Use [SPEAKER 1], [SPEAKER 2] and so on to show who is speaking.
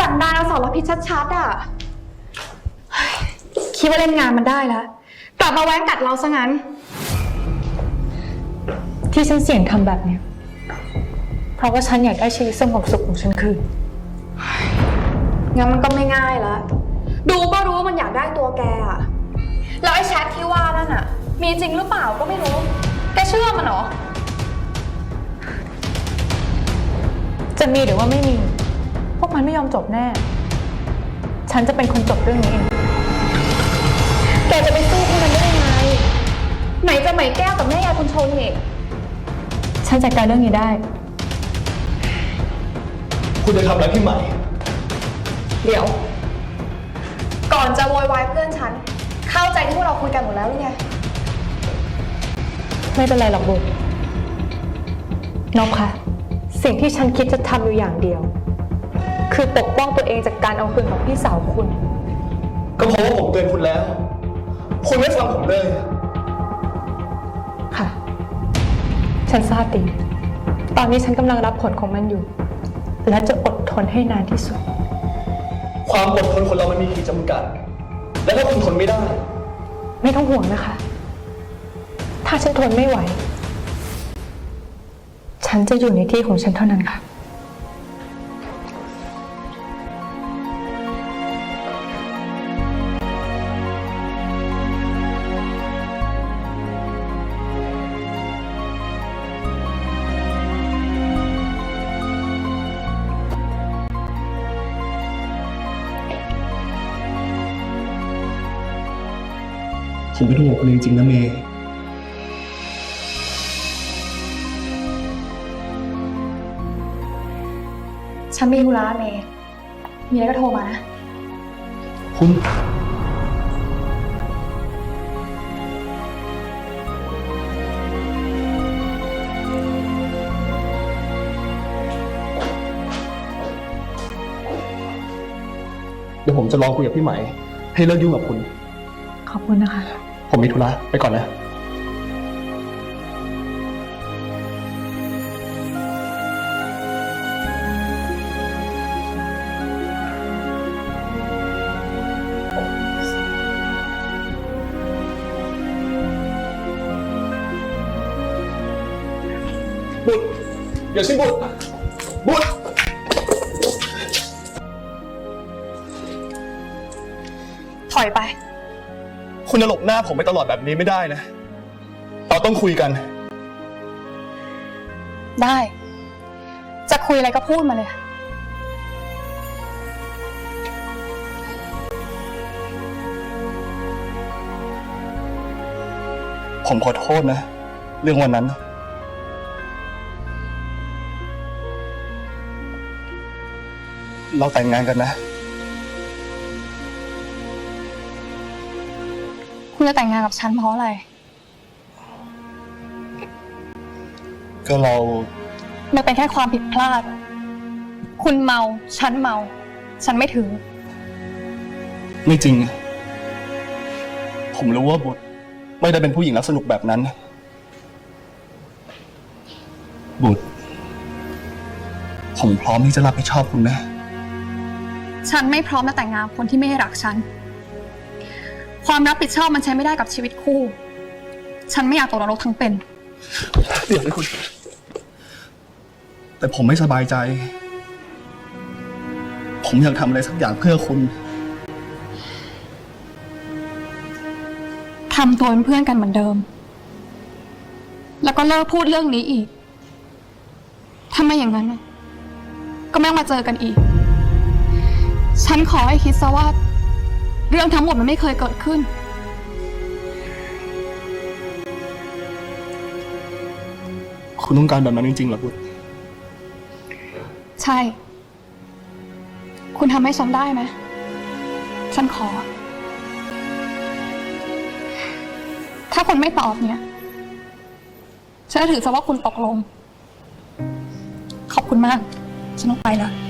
[SPEAKER 1] นดานอสรพิษชัดๆอ่ะคิดว่าเล่นงานมันได้แล้วกลับมาแว้งกัดเราซะงั้น
[SPEAKER 2] ที่ฉันเสี่ยงทำแบบเนี้ยเพราะว่าฉันอยากได้ชีวิตสงบสุขของฉันคืน
[SPEAKER 1] งั้นมันก็ไม่ง่ายละดูก็รู้ว่ามันอยากได้ตัวแกอะแล้วไอ้แชทที่ว่านั่นอะมีจริงหรือเปล่าก็ไม่รู้แกเชื่อมันเหรอ
[SPEAKER 2] จะมีหรือว่าไม่มีพวกมันไม่ยอมจบแน่ฉันจะเป็นคนจบเรื่องนี้เอง
[SPEAKER 1] แกจะไปสู้พวกมันได้ยังไงไหนจะไหมแก้วกับแม่ยายคุณชนอีก
[SPEAKER 2] ฉันจัดการเรื่องนี้ได้
[SPEAKER 3] คุณจะทำอะไรพี่ใหม่
[SPEAKER 1] เดี๋ยวก่อนจะโวยวายเพื่อนฉันเข้าใจที่พวกเราคุยกันหมดแล้วหรือไง
[SPEAKER 2] ไม่เป็นไรหรอกบุญน้องคะสิ่งที่ฉันคิดจะทำอยู่อย่างเดียวคือปกป้องตัวเองจากการเอาคืนของพี่สาวคุณ
[SPEAKER 3] ก็เพราะว่าผมเตือนคุณแล้วคุณไม่ฟังผมเลย
[SPEAKER 2] ค่ะฉันทราบดีตอนนี้ฉันกำลังรับผลของมันอยู่และจะอดทนให้นานที่สุด
[SPEAKER 3] ความอดทนคนเรามันมีขีดจำกัดและถ้าคุณทนไม่ได้
[SPEAKER 2] ไม่ต้องห่วงนะคะถ้าฉันทนไม่ไหวฉันจะอยู่ในที่ของฉันเท่านั้นค่ะ
[SPEAKER 3] ผมเป็นห่วงคุณจริงๆนะเมย์
[SPEAKER 1] ฉันมีธุระเมย์มีอะไรก็โทรมานะ
[SPEAKER 3] คุณเดี๋ยวผมจะลองคุยกับพี่ไหมให้เลิกยุ่งกับคุณ
[SPEAKER 2] ขอบคุณนะคะ
[SPEAKER 3] ผมมีธุระไปก่อนนะบุตรอย่าชิบุตรบุตร
[SPEAKER 1] ถอยไป
[SPEAKER 3] คุณจะหลบหน้าผมไปตลอดแบบนี้ไม่ได้นะเราต้องคุยกัน
[SPEAKER 1] ได้จะคุยอะไรก็พูดมาเลย
[SPEAKER 3] ผมขอโทษนะเรื่องวันนั้นเราแต่งงานกันนะ
[SPEAKER 1] คุณจะแต่งงานกับฉันเพราะอะไร
[SPEAKER 3] ก็เรา
[SPEAKER 1] มันเป็นแค่ความผิดพลาดคุณเมาฉันเมาฉันไม่ถือ
[SPEAKER 3] ไม่จริงผมรู้ว่าบุตรไม่ได้เป็นผู้หญิงรักสนุกแบบนั้นบุตรผมพร้อมที่จะรับผิดชอบคุณนะ
[SPEAKER 1] ฉันไม่พร้อมจะแต่งงานคนที่ไม่รักฉันความรับผิดชอบมันใช้ไม่ได้กับชีวิตคู่ฉันไม่อยากตกนรกทั้งเป็น
[SPEAKER 3] เดี๋ยวนะคุณแต่ผมไม่สบายใจผมอยากทำอะไรสักอย่างเพื่อคุณ
[SPEAKER 1] ทำตัวเป็นเพื่อนกันเหมือนเดิมแล้วก็เลิกพูดเรื่องนี้อีกถ้าไม่อย่างนั้นก็ไม่ต้องมาเจอกันอีกฉันขอให้คิดซะว่าเรื่องทั้งหมดมันไม่เคยเกิดขึ้น
[SPEAKER 3] คุณต้องการแบบนั้นจริงๆเหรอบุตร
[SPEAKER 1] ใช่คุณทำให้ฉันได้ไหมฉันขอถ้าคุณไม่ตอบเนี่ยฉันจะถือซะว่าคุณตกลงขอบคุณมากฉันต้องไปแล้ว